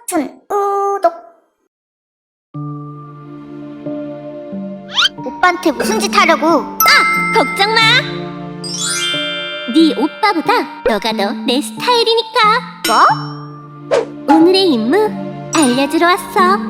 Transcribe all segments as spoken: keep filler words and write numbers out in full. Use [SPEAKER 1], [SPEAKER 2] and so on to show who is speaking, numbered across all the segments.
[SPEAKER 1] 준, 우독. 오빠한테 무슨 짓 하려고?
[SPEAKER 2] 아! 걱정 마! 네 오빠보다 너가 더 내 스타일이니까.
[SPEAKER 1] 뭐?
[SPEAKER 2] 오늘의 임무 알려주러 왔어.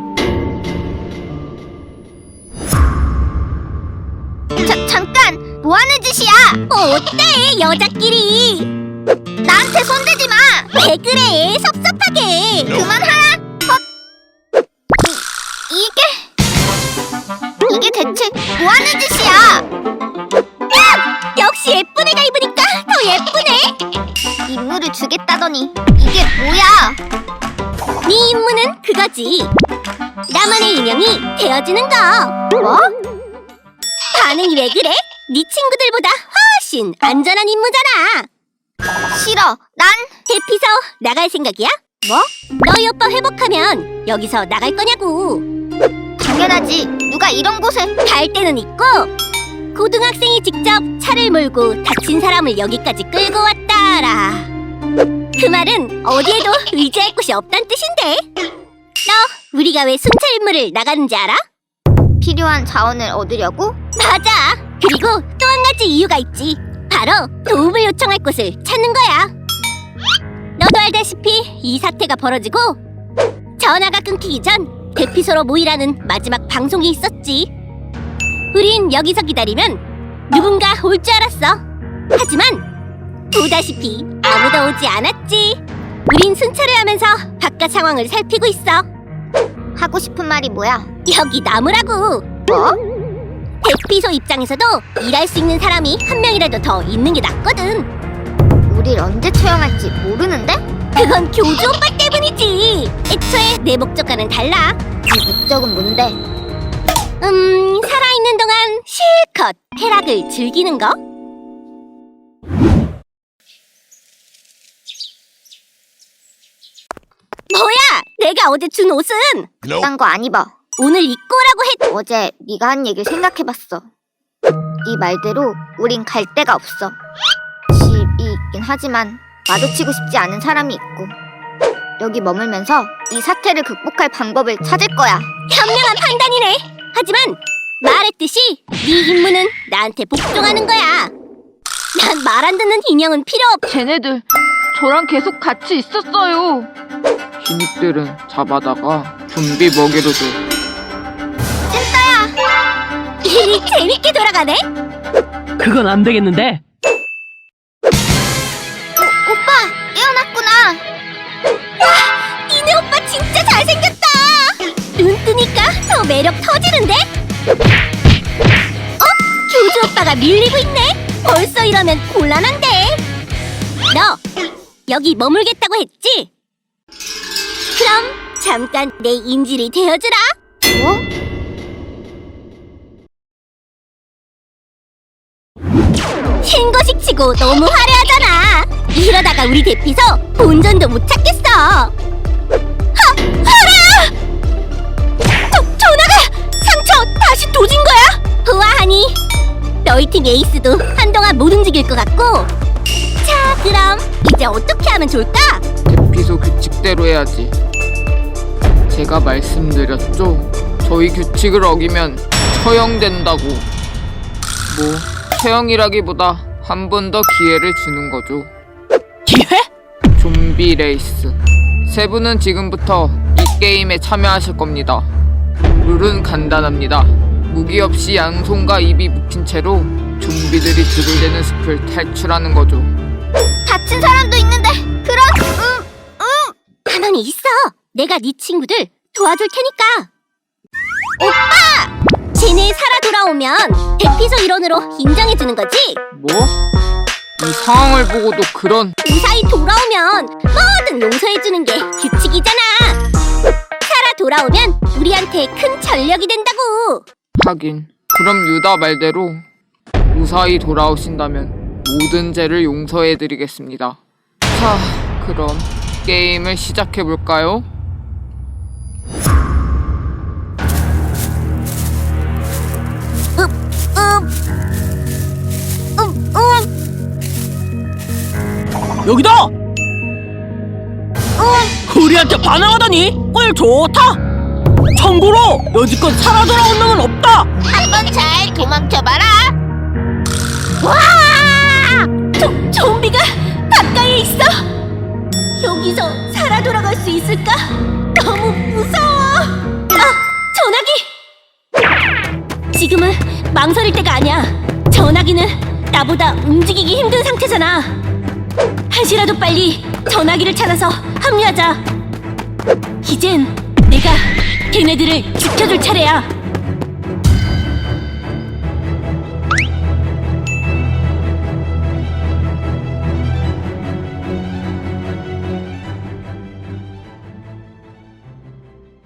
[SPEAKER 1] 자, 잠깐! 뭐하는 짓이야?
[SPEAKER 2] 뭐 어때 여자끼리.
[SPEAKER 1] 나한테 손대지 마!
[SPEAKER 2] 왜 그래 섭섭하게.
[SPEAKER 1] 그만하라! 헛! 이, 이게... 이게 대체 뭐하는 짓이야?
[SPEAKER 2] 역시 예쁜 애가 입으니까 더 예쁘네.
[SPEAKER 1] 임무를 주겠다더니 이게 뭐야?
[SPEAKER 2] 네 임무는 그거지. 나만의 인형이 되어주는 거.
[SPEAKER 1] 뭐?
[SPEAKER 2] 반응이 왜 그래? 네 친구들보다 훨씬 안전한 임무잖아.
[SPEAKER 1] 싫어. 난...
[SPEAKER 2] 대피소 나갈 생각이야?
[SPEAKER 1] 뭐?
[SPEAKER 2] 너희 오빠 회복하면 여기서 나갈 거냐고.
[SPEAKER 1] 당연하지. 누가 이런 곳에...
[SPEAKER 2] 갈 때는 있고, 고등학생이 직접 차를 몰고 다친 사람을 여기까지 끌고 왔다라. 그 말은 어디에도 의지할 곳이 없단 뜻인데. 너 우리가 왜 순찰 임무를 나가는지 알아?
[SPEAKER 1] 필요한 자원을 얻으려고?
[SPEAKER 2] 맞아. 그리고 또 한 가지 이유가 있지. 바로 도움을 요청할 곳을 찾는 거야. 너도 알다시피 이 사태가 벌어지고 전화가 끊기기 전 대피소로 모이라는 마지막 방송이 있었지. 우린 여기서 기다리면 누군가 올 줄 알았어. 하지만 보다시피 아무도 오지 않았지. 우린 순찰을 하면서 바깥 상황을 살피고 있어.
[SPEAKER 1] 하고 싶은 말이 뭐야?
[SPEAKER 2] 여기 나무라고.
[SPEAKER 1] 뭐?
[SPEAKER 2] 대피소 입장에서도 일할 수 있는 사람이 한 명이라도 더 있는 게 낫거든.
[SPEAKER 1] 우릴 언제 처형할지 모르는데?
[SPEAKER 2] 그건 교주 오빠 때문이지. 애초에 내 목적과는 달라.
[SPEAKER 1] 네 목적은 뭔데?
[SPEAKER 2] 음, 살아있는 동안 실컷 쾌락을 즐기는 거? 뭐야! 내가 어제 준 옷은
[SPEAKER 1] 그딴 거 안 입어.
[SPEAKER 2] 오늘 입고 오라고 했...
[SPEAKER 1] 어제 네가 한 얘기를 생각해봤어. 네 말대로 우린 갈 데가 없어. 집이 있긴 하지만 마주치고 싶지 않은 사람이 있고, 여기 머물면서 이 사태를 극복할 방법을 찾을 거야.
[SPEAKER 2] 현명한 판단이네. 하지만 말했듯이 네 임무는 나한테 복종하는 거야. 난 말 안 듣는 인형은 필요 없...
[SPEAKER 3] 쟤네들 저랑 계속 같이 있었어요. 신입들은 잡아다가 좀비 먹이로 줘.
[SPEAKER 2] 일이 재밌게 돌아가네?
[SPEAKER 4] 그건 안 되겠는데?
[SPEAKER 1] 오, 오빠! 깨어났구나!
[SPEAKER 2] 와! 니네 오빠 진짜 잘생겼다! 눈 뜨니까 더 매력 터지는데? 어? 교주 오빠가 밀리고 있네? 벌써 이러면 곤란한데? 너 여기 머물겠다고 했지? 그럼 잠깐 내 인질이 되어주라.
[SPEAKER 1] 뭐?
[SPEAKER 2] 신고식 치고 너무 화려하잖아. 이러다가 우리 대피소 본전도 못 찾겠어. 하! 하라! 저, 전화가! 상처 다시 도진 거야? 우아하니 너희 팀 에이스도 한동안 못 움직일 것 같고. 자, 그럼 이제 어떻게 하면 좋을까?
[SPEAKER 3] 대피소 규칙대로 해야지. 제가 말씀드렸죠. 저희 규칙을 어기면 처형된다고. 뭐 처형이라기보다 한 번 더 기회를 주는 거죠.
[SPEAKER 4] 기회?
[SPEAKER 3] 좀비 레이스. 세 분은 지금부터 이 게임에 참여하실 겁니다. 룰은 간단합니다. 무기 없이 양손과 입이 묶인 채로 좀비들이 들이대는 숲을 탈출하는 거죠.
[SPEAKER 1] 다친 사람도 있는데 그런... 음... 음...
[SPEAKER 2] 가만히 있어. 내가 네 친구들 도와줄 테니까. 오빠! 쟤네 살아 돌아오면 대피소 일원으로 인정해주는 거지?
[SPEAKER 3] 뭐? 이 상황을 보고도 그런...
[SPEAKER 2] 무사히 돌아오면 뭐든 용서해주는 게 규칙이잖아. 살아 돌아오면 우리한테 큰 전력이 된다고.
[SPEAKER 3] 하긴 그럼 유다 말대로 무사히 돌아오신다면 모든 죄를 용서해드리겠습니다. 자, 그럼 게임을 시작해볼까요?
[SPEAKER 2] 음, 음,
[SPEAKER 4] 여기다!
[SPEAKER 2] 음.
[SPEAKER 4] 우리 우리한테 반항하다니 꿀 좋다. 참고로 여지껏 살아 돌아온 놈은 없다.
[SPEAKER 2] 한번 잘 도망쳐봐라. 와! 조, 좀비가 가까이에 있어. 여기서 살아 돌아갈 수 있을까? 너무 무서워. 아, 전화기. 지금은 망설일 때가 아니야. 전화기는 나보다 움직이기 힘든 상태잖아. 한시라도 빨리 전화기를 찾아서 합류하자. 이젠 내가 걔네들을 지켜줄 차례야.